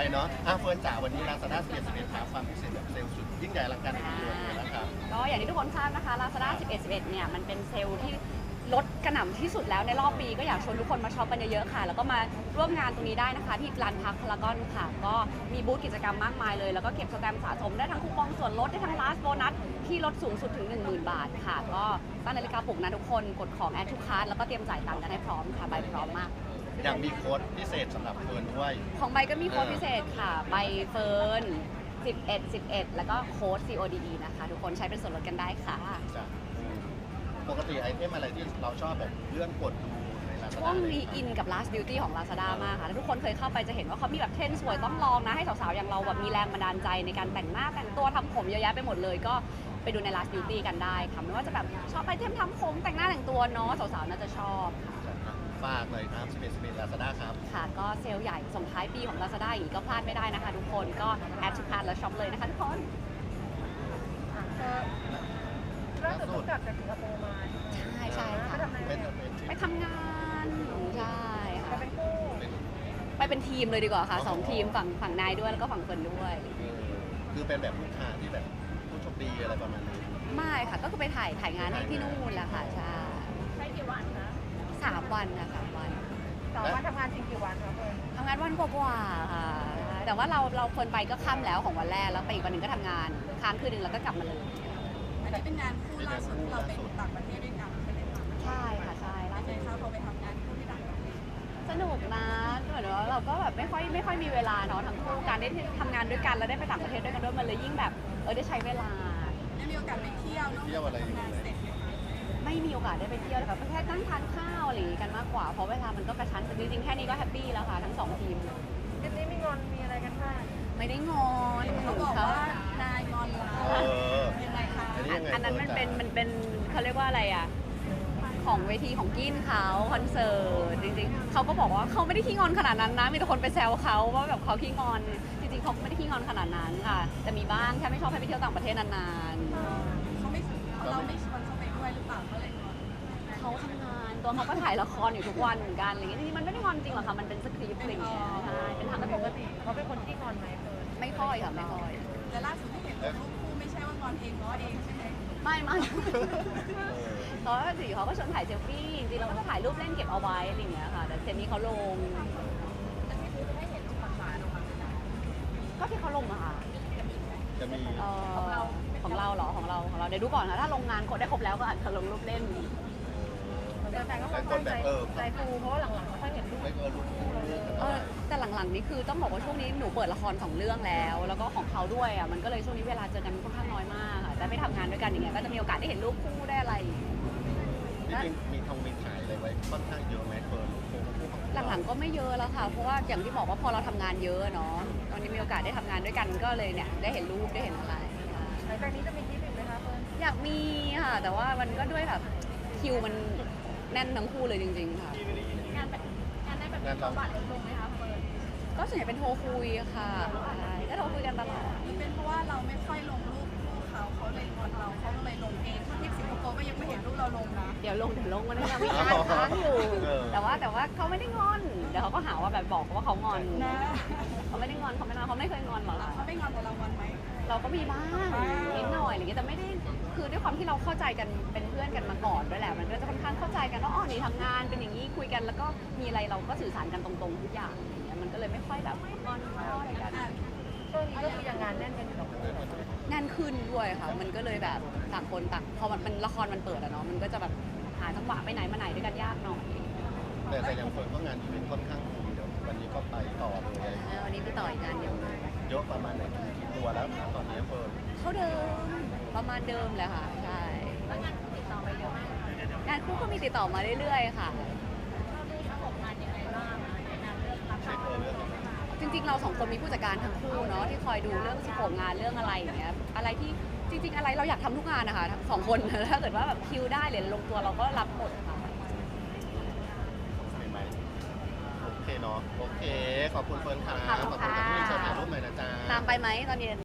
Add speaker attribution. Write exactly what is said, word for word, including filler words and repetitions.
Speaker 1: เนาะอ่ะเฟิร์นจ๋าวันนี้ Lazada สิบเอ็ด สิบเอ็ดครับความพิเศษแบบเซลล์สุดยิ่งใหญ่อลังการในปีนี้นะครับ
Speaker 2: ก็อย่างที่ทุกคนทราบนะคะ Lazada สิบเอ็ด สิบเอ็ดเนี่ยมันเป็นเซลล์ที่ลดกระหน่ำที่สุดแล้วในรอบปีก็อยากชวนทุกคนมาช็อปกันเยอะๆค่ะแล้วก็มาร่วมงานตรงนี้ได้นะคะที่ลานพักพารากอนค่ะก็มีบูธกิจกรรมมากมายเลยแล้วก็เก็บสแตมป์สะสมได้ทั้งคูปองส่วนลดได้ทั้ง last bonus ที่ลดสูงสุดถึง หนึ่งหมื่น บาทค่ะก็ตั้งนาฬิกาปลุกนะทุกคนกดของ add to cart แล้วก็เตรียมจ่ายตังค์กันให้พร้อมค่ะใบพร้อมมาก
Speaker 1: ยังมีโค้ดพิเศษสำหรับเฟิร์นด้วย
Speaker 2: ของใบก็มีโค้ดพิเศษค่ะใบเฟิร์นสิบเอ็ด สิบเอ็ดแล้วก็โค้ด ซี โอ ดี อี นะคะทุกคนใช้เป็นส่วนลดกันได้ค่ะ
Speaker 1: ปกติไอเทมอะไรที่เราชอบแบบเลื่อนกดดูใน Lazada
Speaker 2: ช่วงนี้อินกับ last beauty ของ Lazada มากค่ะถ้าทุกคนเคยเข้าไปจะเห็นว่าเขามีแบบเทรนด์สวยต้องลองนะให้สาวๆอย่างเราแบบมีแรงบันดาลใจในการแต่งหน้าแต่งตัวทำผมเยอะแยะไปหมดเลยก็ไปดูใน last beauty กันได้ค่ะไม่ว่าจะแบบชอบไอเทมทำผมแต่งหน้าแต่งตัวเนาะสาวๆน่าจะชอบค่ะ
Speaker 1: ฝากเลยครับสิบเอ็ด สิบเอ็ด Lazada ครับ
Speaker 2: ค่ะก็เซลล์ใหญ่ส่งท้ายปีของ Lazada อย่างนี้ก็พลาดไม่ได้นะคะทุกคนก็แอดทุกคาร์แล้วช็อปเลยนะคะทุกคน
Speaker 3: ล่าสุดกลับจากสิงคโปร์มา
Speaker 2: ใช่ใช่ค่ะไปทำงานใช่ค่ะไปเป็นคู่ไปเป็นทีมเลยดีกว่าค่ะสองทีมฝั่งฝั่งนายด้วยแล้วก็ฝั่งเฟิร์นด้วย
Speaker 1: คือเป็นแบบลูกค้าที่แบบผู้โชคดีอะไรประมาณนี้
Speaker 2: ไม่ค่ะก็คือไปถ่ายถ่ายงานให้ที่นู่นแหละค่ะใช่
Speaker 3: ใช้กี่วันนะ
Speaker 2: สามวันนะสามวัน
Speaker 3: สามวันทำงานจริงกี่วันครับเฟิร์น
Speaker 2: ทำงานวันกว่าๆค่ะแต่ว่าเราเราเฟิร์นไปก็ค่ำแล้วของวันแรกแล้วไปอีกวันหนึ่งก็ทำงานค้างคืนหนึ่งแล้วก็กลับมาเลย
Speaker 4: อันนี้เป็นงานคู่ล่าสุดที่เราไปต่างประเทศด้วยกันใช่ไหมคะ
Speaker 2: ใช่ค่ะใช่ล่าสุด
Speaker 4: เขาพอไปทำงานคู่ที่ต่างประเทศ
Speaker 2: สนุกนะเหมือนว่าเราก็แบบไม่ค่อยไม่ค่อยมีเวลาเนาะทั้งคู่การได้ทำงานด้วยกันแล้วได้ไปต่างประเทศด้วยกันด้วยมันเลยยิ่งแบบเออได้ใช้เวลา
Speaker 4: ได้มีโอกาสไปเที่ยวนอกจากทำงานเสร็จ
Speaker 2: ไม่มีโอกาสได้ไปเที่ยวเลยค่ะแค่นั่งทานข้าวอะไรอย่างงี้กันมากกว่าเพราะเวลามันก็กระชั้นแต่จริงๆแค่นี้ก็แฮปปี้แล้วค่ะทั้งสองทีม
Speaker 3: ทริปนี้มีงอนมีอะไรกันบ้าง
Speaker 2: ไม่ได้งอน
Speaker 4: เขาบอกว่านายงอนเรายังไงคะ
Speaker 2: อันนั้นมันเป็นมันเป็นเขาเรียกว่าอะไรอ่ะของเวทีของกินเขาคอนเสิร์ตจริงๆเขาก็บอกว่าเขาไม่ได้ขี้งอนขนาดนั้นนะมีแต่คนไปแซวเขาว่าแบบเขาขี้งอนจริงๆเขาไม่ได้ขี้งอนขนาดนั้นค่ะแต่มีบ้างแค่ไม่ชอบให้ไปเที่ยวต่างประเทศนาน
Speaker 4: ๆเขาไม่เราไม่ชวนเขาไปด้วยหรือเปล่าก็เลยงอน
Speaker 2: เขาทำงานตัวเขาก็ถ่ายละครอยู่ทุกวันเหมือนกันอะไรเงี้ยจริงๆมันไม่ได้งอนจริงหรอกค่ะมันเป็นสคริปต์อะไรเงี้ยใช่เป็นทางปกติ
Speaker 3: เขาเป็นคนที่งอนไหมเฟิร์น
Speaker 2: ไม่ค่อยค่ะไม่ค่อย
Speaker 4: แต่ล่าสุดที่เห็นรูปคู่ไม่ใช่ว่างอนเองง้อเองใช่ไหม
Speaker 2: ไม่ไม่เขาสิเขาก็ชวนถ่ายเซลฟี่จริงๆเราก็จะถ่ายรูปเล่นเก็บเอาไว้อะไรอย่างเงี้ยค่ะแต่เซนนี้เขาลง
Speaker 4: แต่ที่พูดให้เห็นความหวานออกมา
Speaker 2: ก็ที่เขาลงอะค่ะ
Speaker 1: จะมี
Speaker 2: ของเราของเราเหรอของเราของเราเดี๋ยวดูก่อนค่ะถ้าลงงานครบได้ครบแล้วก็อาจจะลงรูปเล่น
Speaker 3: แต่แฟนก็ค่อนข้างใจใจฟูเพราะว่าหลังๆไม่ค่อยเห็นรูป
Speaker 2: เออแต่หลังๆนี่คือต้องบอกว่าช่วงนี้หนูเปิดละครสองเรื่องแล้ว แล้วก็ของเขาด้วยอ่ะมันก็เลยช่วงนี้เวลาเจอกันค่อนข้างน้อยมากค่ะแต่ไม่ทำงานด้วยกันอย่างเงี้ยก็จะมีโอกาสได้เห็นรูปคู่ได้อะไร
Speaker 1: จริงๆมีทองมีถ่ายอะไรไว้ค่อนข้างเยอะไหมเฟิร์น
Speaker 2: หลังๆก็ไม่เยอะแล้วค่ะเพราะว่าอย่างที่บอกว่าพอเราทำงานเยอะเนาะตอนนี้มีโอกาสได้ทำงานด้วยกันก็เลยเนี่ยได้เห็นรูปได้เห็นอะไร
Speaker 3: หลังจากนี้จะมีทริปอีกไหมคะเฟิร์น
Speaker 2: อยากมีค่ะแต่ว่ามันก็ด้วยแบบคิวมันแน่นทั้งคู่เลยจริงๆค่ะ
Speaker 4: งานแบบงานได้แบบสวัสดิ์ลงไหมคะเฟิร์น
Speaker 2: ก็ส่วนใหญ่เป็นโทรคุยค่ะก็โทรคุยกันตลอด
Speaker 4: เป็นเพราะว่าเราไม่ค่อยลงรูปคู่เขาเขาเลยงอนเราเขาเลยลงเองที่สิงคโปร์ก็ยังไม่เห็นรูปเราลงนะ
Speaker 2: เดี๋ยวลงเดี๋ยวลงมันยังมีงานค้างอยู่แต่ว่าแต่ว่าเขาไม่ได้งอนเดี๋ยวเขาก็หาว่าแบบบอกว่าเขางอน
Speaker 4: นะ
Speaker 2: เขาไม่ได้งอนเขาไม่งอนเขาไม่เคยงอนหรอก
Speaker 4: เขาไม่งอนแต่เรางอนไหม
Speaker 2: เราก็มีบ้างนิดหน่อยอะไรเงี้ยแต่ไม่ได้คือด้วยความที่เราเข้าใจกันเป็นเพื่อนกันมาก่อนด้วยแหละมันก็จะค่อนข้างเข้าใจกันว่าอ๋อนี่ทำงานเป็นอย่างนี้คุยกันแล้วก็มีอะไรเราก็สื่อสารกันตรงๆทุกอย่างอย่างเงี้ยมันก็เลยไม่ค่อยแบบงอนอะไรกัน
Speaker 3: ช่วงนี้ก็คือยังงานแน่นกันอยู่
Speaker 2: แน่นขึ้นด้วยค่ะมันก็เลยแบบต่างคนต่างพอมันละครมันเปิดอะเนาะมันก็จะแบบหาจังหวะไปไหนมาไหนด้วยกันยากหน่อย
Speaker 1: แต่แต่อย่างเฟิร์นก็งานอีเวนต์ค่อนข้างดีเดี๋ยววันนี้ก็ไปต่อเลย
Speaker 2: วันนี้ไปต่ออีกงานเดียว
Speaker 1: เยอะประมาณไหนกี่ตัวแล้วตอนนี้เฟิร์น
Speaker 2: เท่าเดิมประมาณเดิมเลยค่ะใช่
Speaker 4: งานติดต่อไปเยอะมาก
Speaker 2: งานคู่ก็มีติดต่อมาเรื่อยๆค่ะ
Speaker 4: เราดูระบบงานยังไงบ้างในการเลือกรับ
Speaker 2: จริงๆเราสองคนมีผู้จัดการทั้งคู่เนาะที่คอยดูเรื่องสโคปงานเรื่องอะไรอย่างเงี้ยอะไรที่จริงๆอะไรเราอยากทำทุกงานนะคะทั้งสองคนถ้าเกิดว่าแบบคิวได้หรือลงตัวเราก็รับหมดค่ะ
Speaker 1: โอเคเนาะโอเคขอบคุณเฟิร์นค่ะขอบคุณที่มาถ่ายรูปหน่อยนะจ๊ะ
Speaker 2: ตามไปไหมตอนเย็น